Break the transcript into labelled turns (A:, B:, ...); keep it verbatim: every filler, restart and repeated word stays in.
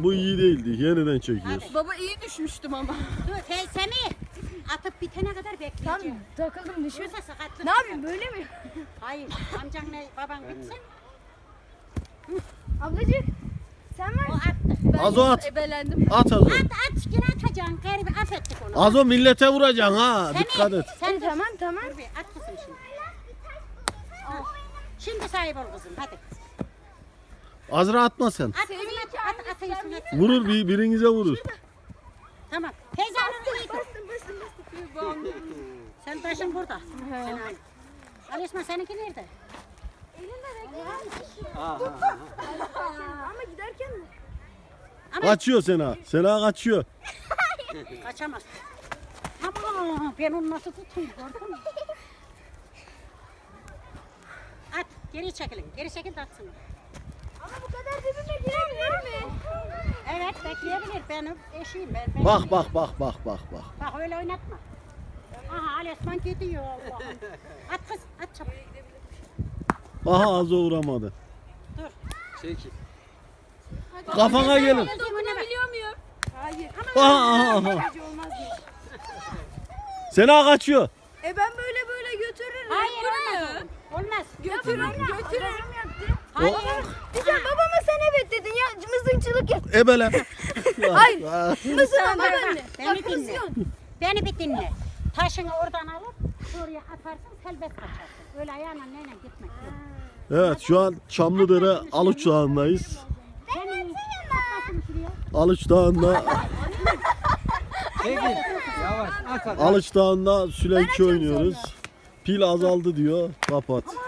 A: bu iyi değildi. Yeniden çekiyoruz.
B: Baba iyi düşmüştüm ama.
C: Dur Semih. Atıp bitene kadar bekleyeceğim.
B: Tamam takıldım düşüyor.
C: Yoksa sakatlık.
B: Ne yapayım böyle mi?
C: Hayır. Amcanla baban bitsin.
B: Ablacık sen
C: O
B: var.
C: attı.
B: Ben
A: Az o at.
B: Ebelendim.
A: At Azo.
C: At at yine atacaksın. Garibi affettik onu.
A: Azo millete vuracaksın ha.
C: Semih,
A: Dikkat et.
C: Sen dur.
B: Tamam tamam.
C: Dur bir at kızım şimdi. Al. Şimdi sahip ol kızım hadi.
A: Azra atma sen.
C: At kızım at at at atıyorsun at.
A: Vurur bir birinize vurur.
C: Tamam. Teyze alın iyi.
B: Bastım bastım bastım.
C: Sen taşın burada. Sen al. Ali Osman seninki nerede?
B: Ama giderken mi?
A: Kaçıyor Sena. Sena kaçıyor.
C: Kaçamaz. Ama ben onu nasıl tutayım gördün mü? At geri çekilin. Geri çekil de atsın.
B: Ama bu kadar dibime girebilir mi?
C: Evet bekleyebilir. Ben eşiyim. Ben, ben
A: Bak bak bak bak bak bak.
C: Bak öyle oynatma. Aha Ali Osman gidiyor Allah'ım. At kız at çabuk.
A: Aha Azo vuramadı.
C: Dur.
D: Çekil.
A: Kafana gelin.
B: Dokunabiliyor muyum? Hayır.
A: Aha aha aha.
B: Acı olmaz mı?
A: Sena kaçıyor.
B: E ben böyle böyle götürürüm.
C: Hayır
B: Bu ne
C: olmaz.
B: ya?
C: oğlum. Olmaz.
B: Götürürüm götürürüm yaptı.
C: Hayır.
B: Güzel babama sen evet dedin ya mızıkçılık yap.
A: Ebele.
B: Hayır.
A: Ah.
B: Mızığa babaanne.
C: Beni
B: Bak
C: dinle.
B: kızıyorsun.
C: Beni bir dinle. Taşını oradan alıp şuraya atarsın selbest kaçarsın. Öyle ayağına neyle gitmek yok.
A: Evet şu an Çamlıdere Aluç Dağı'ndayız.
C: Senin taşını şuraya.
A: Aluç Dağı'nda
D: Çekil. Yavaş at at.
A: Aluç Dağı'nda Süleyki oynuyoruz. Pil azaldı diyor. Kapat.